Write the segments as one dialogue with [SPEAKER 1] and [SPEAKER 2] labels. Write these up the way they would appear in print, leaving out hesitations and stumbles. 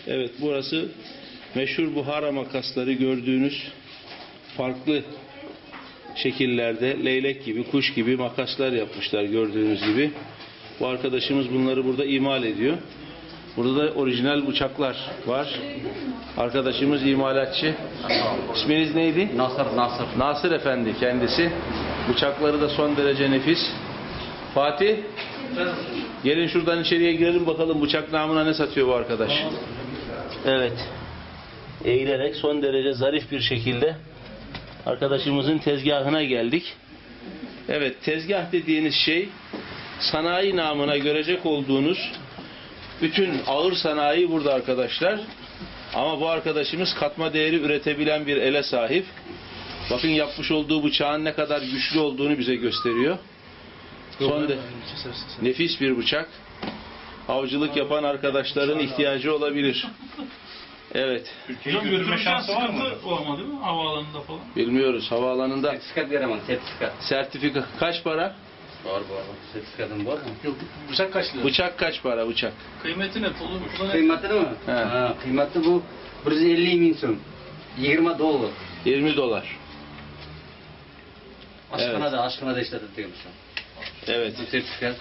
[SPEAKER 1] Evet, burası meşhur buhara makasları gördüğünüz farklı şekillerde leylek gibi, kuş gibi makaslar yapmışlar gördüğünüz gibi. Bu arkadaşımız bunları burada imal ediyor. Burada da orijinal bıçaklar var. Arkadaşımız imalatçı. İsminiz neydi?
[SPEAKER 2] Nasır.
[SPEAKER 1] Nasır Efendi kendisi. Bıçakları da son derece nefis. Fatih, gelin şuradan içeriye girelim bakalım bıçak namına ne satıyor bu arkadaş. Evet. Eğilerek son derece zarif bir şekilde arkadaşımızın tezgahına geldik. Evet, tezgah dediğiniz şey sanayi namına görecek olduğunuz bütün ağır sanayi burada arkadaşlar. Ama bu arkadaşımız katma değeri üretebilen bir ele sahip. Bakın yapmış olduğu bıçağın ne kadar güçlü olduğunu bize gösteriyor. Nefis bir bıçak. Avcılık yapan arkadaşların ihtiyacı olabilir. Evet.
[SPEAKER 3] Türkiye'ye götürme şansı var mı? Olmadı mı? Havaalanında falan.
[SPEAKER 1] Bilmiyoruz. Havaalanında
[SPEAKER 2] Sertifikat veremem, sertifikat.
[SPEAKER 1] sertifika kaç para?
[SPEAKER 2] Var. Sertifikatın var mı?
[SPEAKER 3] Yok, bıçak kaç lira?
[SPEAKER 1] Bıçak kaç para bıçak?
[SPEAKER 3] Kıymeti ne? Pulu ne?
[SPEAKER 2] Kıymatı mı?
[SPEAKER 1] He.
[SPEAKER 2] Ha, kıymatı bu 150 bin son. 20 dolar.
[SPEAKER 1] 20 dolar.
[SPEAKER 2] Aşkına da işletilmiş.
[SPEAKER 1] Evet.
[SPEAKER 2] Bu sertifikat.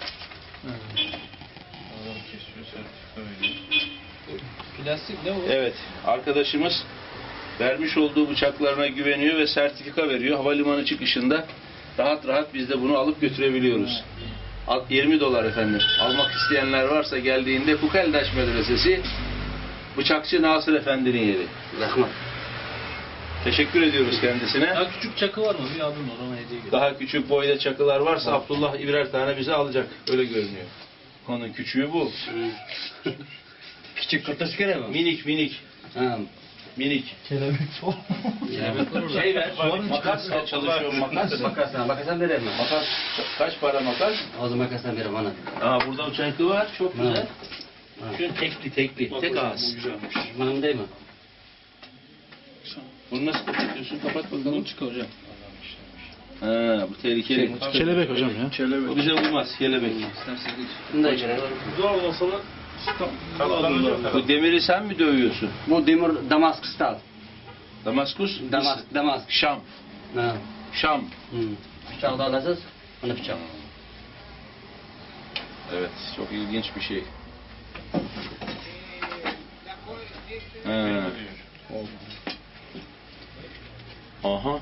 [SPEAKER 3] Plastik ne o?
[SPEAKER 1] Evet. Arkadaşımız vermiş olduğu bıçaklarına güveniyor ve sertifika veriyor. Havalimanı çıkışında rahat rahat biz de bunu alıp götürebiliyoruz. 20 dolar efendim. Almak isteyenler varsa geldiğinde Kukeldaş Medresesi Bıçakçı Nasır Efendi'nin yeri.
[SPEAKER 2] Rahmet.
[SPEAKER 1] Teşekkür ediyoruz kendisine.
[SPEAKER 3] Daha küçük çakı var mı? Bir abim var, ona hediye getir.
[SPEAKER 1] Daha küçük boyda çakılar varsa Abdullah birer tane bize alacak. Öyle görünüyor. Onun küçüğü bu.
[SPEAKER 2] Küçük kurtaş kere mi?
[SPEAKER 1] Minik.
[SPEAKER 2] Ha.
[SPEAKER 1] Minik.
[SPEAKER 3] Kelebek falan.
[SPEAKER 1] Şey ver. Makas çalışıyor.
[SPEAKER 2] Makasdan veremem.
[SPEAKER 1] Makas kaç para makas?
[SPEAKER 2] O zaman makasdan veremem ana.
[SPEAKER 1] Aa, burada uçaklı var. Çok güzel.
[SPEAKER 2] Ha.
[SPEAKER 1] Şu tekli. Tek ağız.
[SPEAKER 3] Bu güzelmiş.
[SPEAKER 2] Benim değil mi?
[SPEAKER 1] Bunu nasıl kapatıyorsun? Kapat bakalım.
[SPEAKER 3] Çık hocam.
[SPEAKER 1] Ha, bu tehlikeli.
[SPEAKER 3] Kelebek hocam ya. Kelebek.
[SPEAKER 1] Bu bize uymaz. Kelebek.
[SPEAKER 2] Bunda içine.
[SPEAKER 3] Zor olsa da
[SPEAKER 1] Bu demiri sen mi dövüyorsun?
[SPEAKER 2] Bu demir Damaskus'tan.
[SPEAKER 1] Damaskus?
[SPEAKER 2] Damaskus.
[SPEAKER 1] Şam.
[SPEAKER 2] Ha.
[SPEAKER 1] Şam.
[SPEAKER 2] Bıçağı da alacağız. Onu bıçak.
[SPEAKER 1] Evet. Çok ilginç bir şey. Ha. Aha.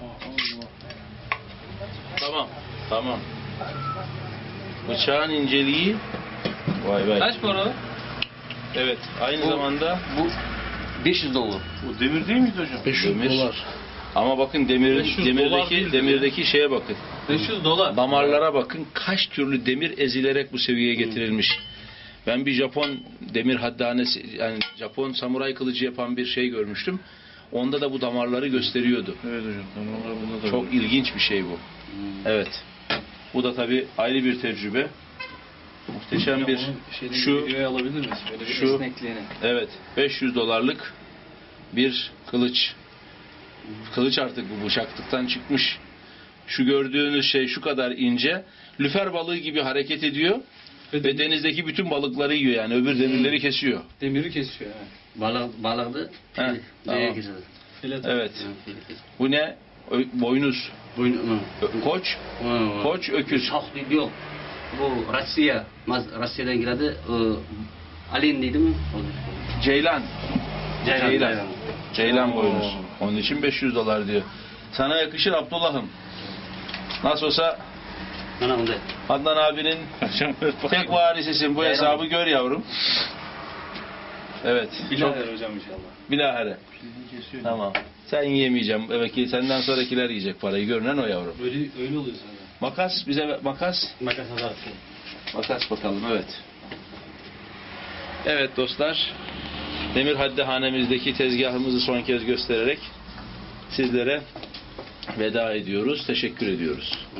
[SPEAKER 1] Tamam. Bıçağın inceliği. Vay.
[SPEAKER 3] kaç para?
[SPEAKER 1] Evet. Aynı zamanda
[SPEAKER 2] Bu 500 dolar.
[SPEAKER 3] Bu demir değil miydi hocam?
[SPEAKER 1] 500 dolar. Ama bakın
[SPEAKER 3] 500 dolar değil
[SPEAKER 1] demirdeki şeye bakın.
[SPEAKER 3] 500 dolar.
[SPEAKER 1] Damarlara bakın. Kaç türlü demir ezilerek bu seviyeye getirilmiş. Ben bir Japon demir haddanesi, yani Japon samuray kılıcı yapan bir şey görmüştüm. Onda da bu damarları gösteriyordu.
[SPEAKER 3] Evet hocam. Damarlar bunda da.
[SPEAKER 1] Çok ilginç bir şey bu. Evet. Bu da tabii ayrı bir tecrübe. Muhteşem bir şu
[SPEAKER 3] videoya alabilir miyiz? Böyle bir
[SPEAKER 1] şu-
[SPEAKER 3] esnekliğini.
[SPEAKER 1] evet 500 dolarlık bir kılıç. Kılıç artık bu bıçaklıktan çıkmış. Şu gördüğünüz şey şu kadar ince. Lüfer balığı gibi hareket ediyor ve denizdeki bütün balıkları yiyor, yani öbür demirleri kesiyor.
[SPEAKER 3] Demiri kesiyor. Evet.
[SPEAKER 2] Balığı
[SPEAKER 1] He, tamam.
[SPEAKER 3] Filet.
[SPEAKER 1] Evet. Bu ne? Boynuz. Koç. Koç öküz.
[SPEAKER 2] Çok değil yok. Bu Rusya'dan geldi. Alin dedi mi?
[SPEAKER 1] Ceylan. Ceylan boynuz. Onun için 500 dolar diyor. Sana yakışır Abdullah'ım. Nasıl olsa
[SPEAKER 2] Bana onda.
[SPEAKER 1] Adnan abinin tek varisisin. Bu hesabı gör yavrum. Evet.
[SPEAKER 3] Bilahare hocam inşallah.
[SPEAKER 1] Bilahare. Tamam. Sen yiyemeyeceğim. Evet ki senden sonrakiler yiyecek parayı. Görünen o yavrum.
[SPEAKER 3] Öyle oluyor zaten.
[SPEAKER 1] Makas bize makas.
[SPEAKER 2] Makas hazır.
[SPEAKER 1] Makas bakalım, evet. Evet dostlar. Demir Haddihanemizdeki tezgahımızı son kez göstererek sizlere veda ediyoruz. Teşekkür ediyoruz.